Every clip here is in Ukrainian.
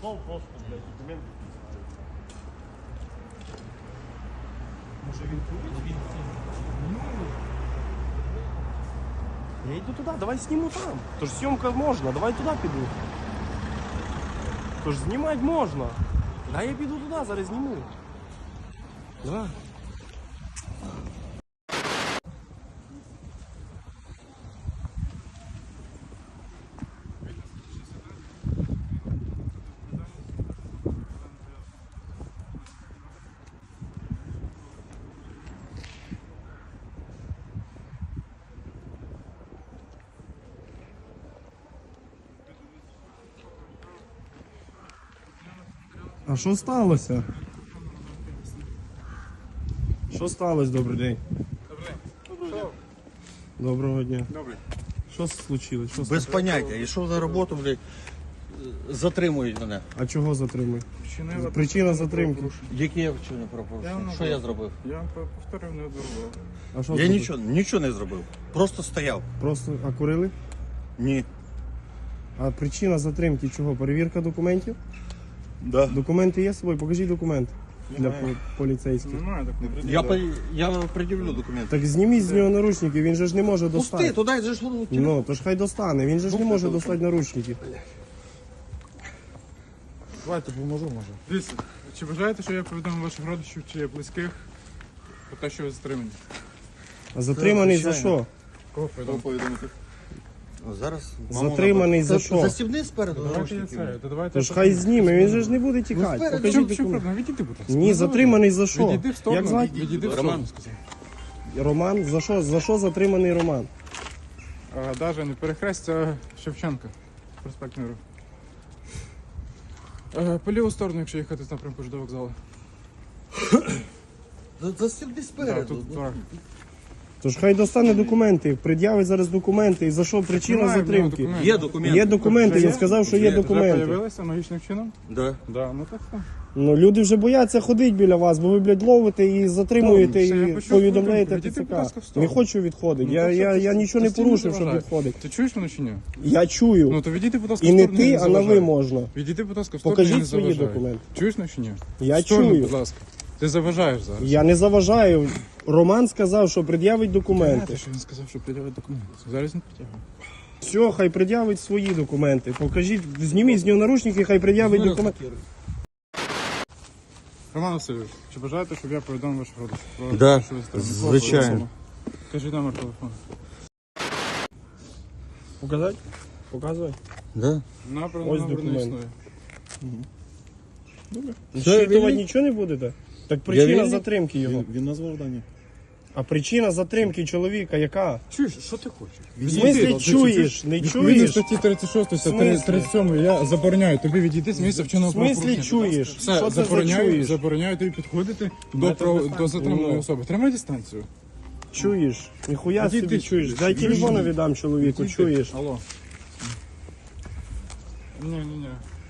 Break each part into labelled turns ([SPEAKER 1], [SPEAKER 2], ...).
[SPEAKER 1] Пішов просто, блядь, документи. Може він курить? Я йду туди, давай зніму там. Тож зйомка можна, давай туди піду. Тож знімати можна. Да, я піду туди, зараз зніму. Давай. А що сталося? Що сталося, добрий день? Доброго дня.
[SPEAKER 2] Добре.
[SPEAKER 1] Що случилось? Що
[SPEAKER 2] Без
[SPEAKER 1] сталося?
[SPEAKER 2] поняття. Йшов на роботу, блядь, затримують мене.
[SPEAKER 1] А чого затримують? Причина затримки.
[SPEAKER 2] Які я вчинив правопорушення? Що я зробив?
[SPEAKER 3] Я вам повторив неодноразово.
[SPEAKER 1] А що
[SPEAKER 2] Я
[SPEAKER 1] зробили?
[SPEAKER 2] нічого не зробив. Просто стояв.
[SPEAKER 1] Просто а курили?
[SPEAKER 2] Ні.
[SPEAKER 1] А причина затримки чого? Перевірка документів?
[SPEAKER 2] Да.
[SPEAKER 1] Документи є з собою? Покажіть документ для поліцейських.
[SPEAKER 3] Немає такого.
[SPEAKER 2] Я пред'явлю документи.
[SPEAKER 1] Так зніміть з нього наручники, він же ж не може
[SPEAKER 2] Пусти,
[SPEAKER 1] достати.
[SPEAKER 2] туди же ж воно.
[SPEAKER 1] Ну, то ж хай достане, він же ж не може достати наручники.
[SPEAKER 3] Давайте поможу, може. Дивіться, чи бажаєте, що я повідомив ваших родичів чи близьких про те, що ви затримані?
[SPEAKER 1] А затриманий за
[SPEAKER 2] звичайно.
[SPEAKER 1] що?
[SPEAKER 3] Кого повідомити?
[SPEAKER 2] Зараз.
[SPEAKER 1] Затриманий за що?
[SPEAKER 2] Застібни спереду
[SPEAKER 3] Давайте я
[SPEAKER 2] наручники.
[SPEAKER 3] це. То давайте.
[SPEAKER 1] То ж хай зніме, він же ж не буде тікати.
[SPEAKER 2] спереду.
[SPEAKER 1] Покажіть
[SPEAKER 3] Чому
[SPEAKER 1] документ.
[SPEAKER 3] проблема? Відійди, будь ласка.
[SPEAKER 1] Ні, затриманий за що?
[SPEAKER 3] Відійди в сторону.
[SPEAKER 1] Як звати?
[SPEAKER 3] Відійди в
[SPEAKER 2] Роман.
[SPEAKER 3] сторону, сказав.
[SPEAKER 1] Роман? За що? За що затриманий Роман?
[SPEAKER 3] Даже не перехрестя Шевченка. Проспект Миру. По ліву сторону, якщо їхати з напрямку до вокзалу.
[SPEAKER 2] Застібни
[SPEAKER 3] Так,
[SPEAKER 2] спереду.
[SPEAKER 3] тут дорога.
[SPEAKER 1] Тож хай достане документи, пред'явить зараз документи. І за що причина
[SPEAKER 3] Немає в нього
[SPEAKER 1] затримки?
[SPEAKER 3] документів.
[SPEAKER 2] Є документи.
[SPEAKER 1] Є документи,
[SPEAKER 3] Вже
[SPEAKER 1] він
[SPEAKER 3] є?
[SPEAKER 1] сказав, що є
[SPEAKER 2] Вже
[SPEAKER 1] документи.
[SPEAKER 3] Появилися аналогічним чином?
[SPEAKER 2] Да.
[SPEAKER 3] Да, ну так.
[SPEAKER 1] Ну люди вже бояться ходити біля вас, бо ви, блядь, ловите і затримуєте,
[SPEAKER 3] Все, я
[SPEAKER 1] і
[SPEAKER 3] почув
[SPEAKER 1] повідомляєте
[SPEAKER 3] повідомлення. Відійди, будь ласка, в
[SPEAKER 1] ТЦК.
[SPEAKER 3] сторону.
[SPEAKER 1] Не хочу відходити.
[SPEAKER 3] Ну,
[SPEAKER 1] Я,
[SPEAKER 3] то що
[SPEAKER 1] я,
[SPEAKER 3] ти-
[SPEAKER 1] я нічого не
[SPEAKER 3] ти стій, не
[SPEAKER 1] порушив, щоб
[SPEAKER 3] заважай.
[SPEAKER 1] відходити.
[SPEAKER 3] Ти чуєш мене чи ні?
[SPEAKER 1] Я чую.
[SPEAKER 3] Ну то відійди, будь ласка,
[SPEAKER 1] І
[SPEAKER 3] в
[SPEAKER 1] не
[SPEAKER 3] сторону,
[SPEAKER 1] ти,
[SPEAKER 3] не
[SPEAKER 1] а на
[SPEAKER 3] заважай.
[SPEAKER 1] ви можна.
[SPEAKER 3] Відійди, будь ласка, в сторону, не
[SPEAKER 1] Покажіть свої
[SPEAKER 3] заважай.
[SPEAKER 1] документи.
[SPEAKER 3] Чуєш мене чи ні?
[SPEAKER 1] Я
[SPEAKER 3] В сторону,
[SPEAKER 1] чую.
[SPEAKER 3] будь ласка. Ти заважаєш зараз.
[SPEAKER 1] Я не заважаю. Роман сказав, що пред'явить документи.
[SPEAKER 3] Знаєте, що він сказав, що пред'явить документи. Зараз не притягує.
[SPEAKER 1] Все, хай пред'явить свої документи. Покажіть, зніміть з нього наручники, хай пред'явить документи.
[SPEAKER 3] Роман Васильович, чи бажаєте, щоб я повідомив ваших родичів? Про
[SPEAKER 2] Да,
[SPEAKER 3] те, що ви затримані?
[SPEAKER 2] звичайно.
[SPEAKER 3] Кажіть номер телефону.
[SPEAKER 1] Показати? Показуй.
[SPEAKER 2] Да.
[SPEAKER 3] Номер
[SPEAKER 1] Ось
[SPEAKER 3] не
[SPEAKER 1] документ.
[SPEAKER 3] існує.
[SPEAKER 1] Щитувати нічого не будете? Так причина
[SPEAKER 2] вільний.
[SPEAKER 1] затримки його.
[SPEAKER 4] Він назвав дані.
[SPEAKER 1] А причина затримки чоловіка яка?
[SPEAKER 3] Чуєш, що ти хочеш?
[SPEAKER 1] В смислі чуєш? Не
[SPEAKER 3] Відповідно
[SPEAKER 1] чуєш?
[SPEAKER 3] статті 36
[SPEAKER 1] В смислі?
[SPEAKER 3] 37 я забороняю тобі відійти з місця
[SPEAKER 1] В
[SPEAKER 3] вченого
[SPEAKER 1] смислі
[SPEAKER 3] правопорушення.
[SPEAKER 1] чуєш?
[SPEAKER 3] Все,
[SPEAKER 1] Що це за
[SPEAKER 3] забороняю,
[SPEAKER 1] чуєш?
[SPEAKER 3] забороняю тобі підходити до,
[SPEAKER 1] Давайте
[SPEAKER 3] до
[SPEAKER 1] дистанцію.
[SPEAKER 3] затриманої
[SPEAKER 1] Ну.
[SPEAKER 3] особи. Тримай дистанцію.
[SPEAKER 1] Чуєш? Ніхуя
[SPEAKER 3] Відійди,
[SPEAKER 1] собі чуєш.
[SPEAKER 3] чуєш.
[SPEAKER 1] Дай телефона віддам чоловіку,
[SPEAKER 3] Відійди.
[SPEAKER 1] чуєш?
[SPEAKER 3] Алло. Ні.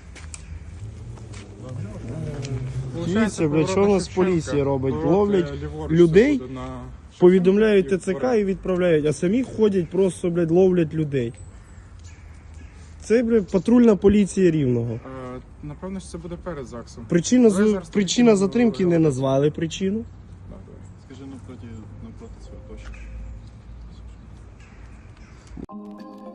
[SPEAKER 1] Дивіться, блядь, що у нас поліція робить? Ловлять людей, повідомляють ТЦК і відправляють, а самі ходять просто, блядь, ловлять людей. Це, блядь, патрульна поліція Рівного.
[SPEAKER 3] Напевно, що це буде перед ЗАГСом.
[SPEAKER 1] Причина,
[SPEAKER 3] Давай зараз
[SPEAKER 1] причина
[SPEAKER 3] тоді
[SPEAKER 1] затримки не
[SPEAKER 3] говоримо.
[SPEAKER 1] назвали причину.
[SPEAKER 4] Скажи навпроти цього точно.